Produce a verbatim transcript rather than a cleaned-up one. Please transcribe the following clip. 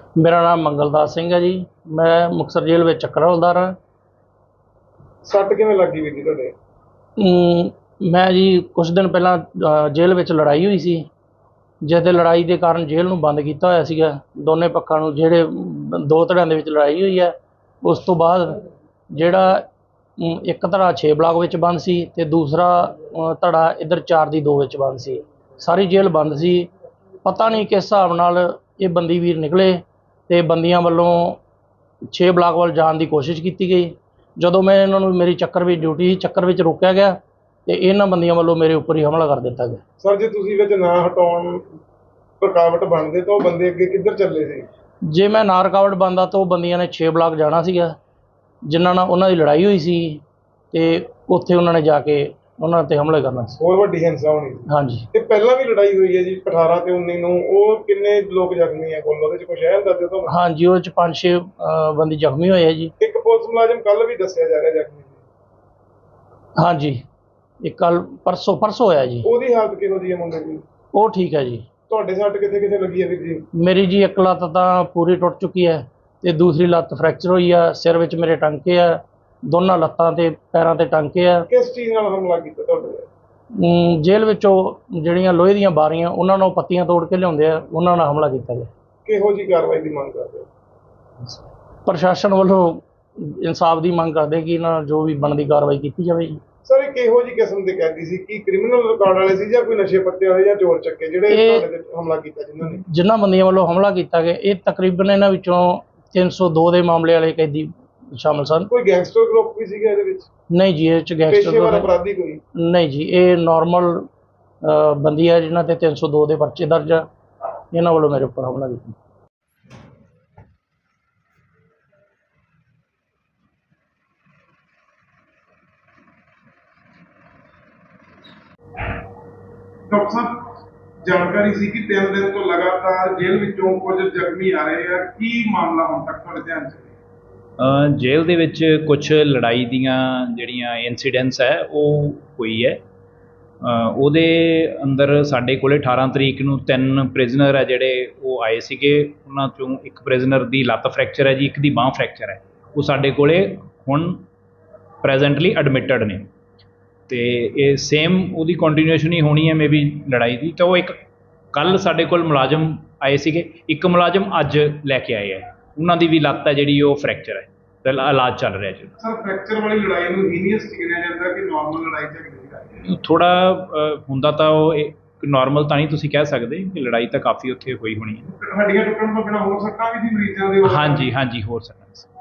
मेरा नाम मंगलदास सिंह है जी। मैं मुक्तसर जेल में चक्कर हवलदार हाँ। सੱਟ ਕਿਵੇਂ ਲੱਗੀ ਵੀਰ ਜੀ ਤੁਹਾਡੇ? अम, मैं जी कुछ दिन पहला जेल में लड़ाई हुई सी, जिसते लड़ाई के कारण जेल नूं बंद किया होया सीगा। दोने पक्षां नूं जिहड़े दो धड़ियां दे विच लड़ाई हुई है, उस तो बाद जिहड़ा अम, एक धड़ा छे ब्लॉक विच बंद सी ते दूसरा अ, धड़ा इधर चार दी दो विच बंद सी। सारी जेल बंद सी। पता नहीं किस हिसाब नाल ये बंदी वीर निकले ते बंदियां वल्लों छे ब्लॉक वाल जाण दी कोशिश की गई। ਜਦੋਂ मैं इन्होंने मेरी चक्कर भी ड्यूटी चक्कर में रोकया गया तो इन्होंने बंदियों वालों मेरे उपर ही हमला कर दिता गया। सर जे तुसीं विच ना हटाउण रुकावट बनदे तो बंदे अगे किधर चले सी? जे मैं ना रुकावट बनता तो बंदियां ने छे ब्लॉक जाना सीगा, जिन्हां नाल उन्हां दी लड़ाई हुई सी ते उत्थे उन्होंने जाके उन्हां ते हमले करना सी। होर वड्डी हिंसा होनी? हाँ जी। ते पहलां भी लड़ाई हुई है जी अठारह ते उन्नीस नूं, ਉਹ किन्ने लोग ਜ਼ਖਮੀ है कोल ਉਹਦੇ ਚ ਕੁਝ ਹੈ ਅੰਦਾਜ਼ੇ ਤੋਂ? हाँ जी, वो च पांच छे बंदे जख्मी होए जी। एक पुलिस मुलाजिम कल भी दस्सिया जा रहा ਜ਼ਖਮੀ? हाँ जी, एक कल परसों परसों होया जी। ਉਹਦੀ हालत किहो जी है मुंडे ਦੀ? वो ठीक है जी। ਤੁਹਾਡੇ ਸੱਟ ਕਿੱਥੇ ਕਿੱਥੇ ਲੱਗੀ ਹੈ ਵੀਰ ਜੀ? मेरी जी एक लत्त तां पूरी टुट चुकी है ते दूसरी लत्त फ्रैक्चर हुई है। सिर विच मेरे टांके है, दोनों लत्तां ते पैरां ते टांके है। किस चीज़ नाल हमला ਕੀਤਾ ਤੁਹਾਡੇ ਤੇ? अम, जेल विचों ਜਿਹੜੀਆਂ ਲੋਹੇ ਦੀਆਂ ਬਾਰੀਆਂ ਉਹਨਾਂ ਨੂੰ ਪੱਤੀਆਂ ਤੋੜ ਕੇ ਲਿਆਉਂਦੇ ਆ, ਉਹਨਾਂ ਨਾਲ ਹਮਲਾ ਕੀਤਾ ਗਿਆ। ਕਿਹੋ ਜੀ ਕਾਰਵਾਈ ਦੀ ਮੰਗ ਕਰਦੇ ਹੋ? ਪ੍ਰਸ਼ਾਸਨ ਵੱਲੋਂ ਇਨਸਾਫ ਦੀ ਮੰਗ ਕਰਦੇ ਕਿ ਇਹਨਾਂ ਜੋ ਵੀ ਬਣਦੀ ਕਾਰਵਾਈ ਕੀਤੀ ਜਾਵੇ ਜੀ। ਸਰ ਇਹ ਕਿਹੋ ਜੀ ਕਿਸਮ ਦੇ ਕੈਦੀ ਸੀ? ਕੀ ਕ੍ਰਿਮੀਨਲ ਰਿਕਾਰਡ ਵਾਲੇ ਸੀ ਜਾਂ ਕੋਈ ਨਸ਼ੇ ਪੱਤੇ ਵਾਲੇ ਜਾਂ ਚੋਰ ਚੱਕੇ ਜਿਹੜੇ ਇਹ- ਤੁਹਾਡੇ ਤੇ ਹਮਲਾ ਕੀਤਾ ਜਿਨ੍ਹਾਂ ਨੇ? ਜਿਨ੍ਹਾਂ ਬੰਦੀਆਂ ਵੱਲੋਂ ਹਮਲਾ ਕੀਤਾ ਗਿਆ ਇਹ ਤਕਰੀਬਨ ਇਹਨਾਂ ਵਿੱਚੋਂ ਤਿੰਨ ਸੌ ਦੋ ਦੇ ਮਾਮਲੇ ਵਾਲੇ ਕੈਦੀ ਸ਼ਾਮਲ ਸਨ। ਕੋਈ ਗੈਂਗਸਟਰ ਗਰੁੱਪ ਵੀ ਸੀਗਾ ਇਹਦੇ ਵਿੱਚ? ਨਹੀਂ ਜੀ, ਇਹ ਚ ਪੇਸ਼ੇਵਰ ਗੈਂਗਸਟਰ ਅਪਰਾਧੀ ਕੋਈ? ਨਹੀਂ ਜੀ, ਇਹ ਨਾਰਮਲ ਬੰਦੀ ਹੈ ਜਿਨ੍ਹਾਂ ਤੇ ਤਿੰਨ ਸੌ ਦੋ ਦੇ ਪਰਚੇ ਦਰਜ ਆ। ਇਹਨਾਂ ਵੱਲੋਂ ਮੇਰੇ ਉੱਪਰ ਹਮਲਾ ਕੀਤਾ। ਡਾਕਟਰ ਸਾਹਿਬ ਜਾਣਕਾਰੀ ਸੀ ਕਿ ਤਿੰਨ ਦਿਨ ਤੋਂ ਲਗਾਤਾਰ ਜੇਲ੍ਹ ਵਿੱਚੋਂ ਕੁਝ ਜ਼ਖਮੀ ਆ ਰਹੇ ਆ, ਕੀ ਮਾਮਲਾ ਹੁਣ ਤੱਕ ਤੁਹਾਡੇ ਧਿਆਨ 'ਚ ਹੈ? ਜੇਲ੍ਹ ਦੇ ਵਿੱਚ ਕੁਛ ਲੜਾਈ ਦੀਆਂ ਜਿਹੜੀਆਂ ਇਨਸੀਡੈਂਟਸ ਹੈ ਉਹ ਹੋਈ ਹੈ। ਅ, ਉਹਦੇ ਅੰਦਰ ਸਾਡੇ ਕੋਲੇ ਅਠਾਰਾਂ ਤਰੀਕ ਨੂੰ ਤਿੰਨ ਪ੍ਰਿਜ਼ਨਰ ਹੈ ਜਿਹੜੇ ਉਹ ਆਏ ਸੀਗੇ। ਉਹਨਾਂ 'ਚੋਂ ਇੱਕ ਪ੍ਰਿਜ਼ਨਰ ਦੀ ਲੱਤ ਫਰੈਕਚਰ ਹੈ ਜੀ, ਇੱਕ ਦੀ ਬਾਂਹ ਫਰੈਕਚਰ ਹੈ। ਉਹ ਸਾਡੇ ਕੋਲੇ ਹੁਣ ਪ੍ਰੈਜ਼ੈਂਟਲੀ ਐਡਮਿਟਡ ਨੇ ਅਤੇ ਇਹ ਸੇਮ ਉਹਦੀ ਕੰਟੀਨਿਊਸ਼ਨ ਹੀ ਹੋਣੀ ਹੈ ਮੇ ਬੀ ਲੜਾਈ ਦੀ। ਤਾਂ ਉਹ ਇੱਕ ਕੱਲ੍ਹ ਸਾਡੇ ਕੋਲ ਮੁਲਾਜ਼ਮ ਆਏ ਸੀਗੇ, ਇੱਕ ਮੁਲਾਜ਼ਮ ਅੱਜ ਲੈ ਕੇ ਆਏ ਹੈ। ਉਹਨਾਂ ਦੀ ਵੀ ਲੱਤ ਹੈ ਜਿਹੜੀ ਉਹ ਫਰੈਕਚਰ ਹੈ ਤੇ ਇਲਾਜ ਚੱਲ ਰਿਹਾ ਜੀ। ਸਰ ਫਰੈਕਚਰ ਵਾਲੀ ਲੜਾਈ ਨੂੰ ਹੀਨੀਅਸ ਗਿਣਿਆ ਜਾਂਦਾ ਕਿ ਨਾਰਮਲ ਲੜਾਈ ਝਗੜੇ ਦੀ ਗੱਲ ਹੈ? ਥੋੜ੍ਹਾ ਹੁੰਦਾ ਤਾਂ ਉਹ ਨਾਰਮਲ ਤਾਂ ਨਹੀਂ ਤੁਸੀਂ ਕਹਿ ਸਕਦੇ ਕਿ ਲੜਾਈ ਤਾਂ ਕਾਫੀ ਉੱਥੇ ਹੋਈ ਹੋਣੀ ਹੈ। ਹੱਡੀਆਂ ਟੁੱਟਣ ਤੋਂ ਬਿਨਾਂ ਹੋਰ ਸੱਟਾਂ ਵੀ ਸੀ ਮਰੀਜ਼ਾਂ ਦੇ? ਹਾਂਜੀ ਹਾਂਜੀ, ਹੋਰ ਸਕਦਾ।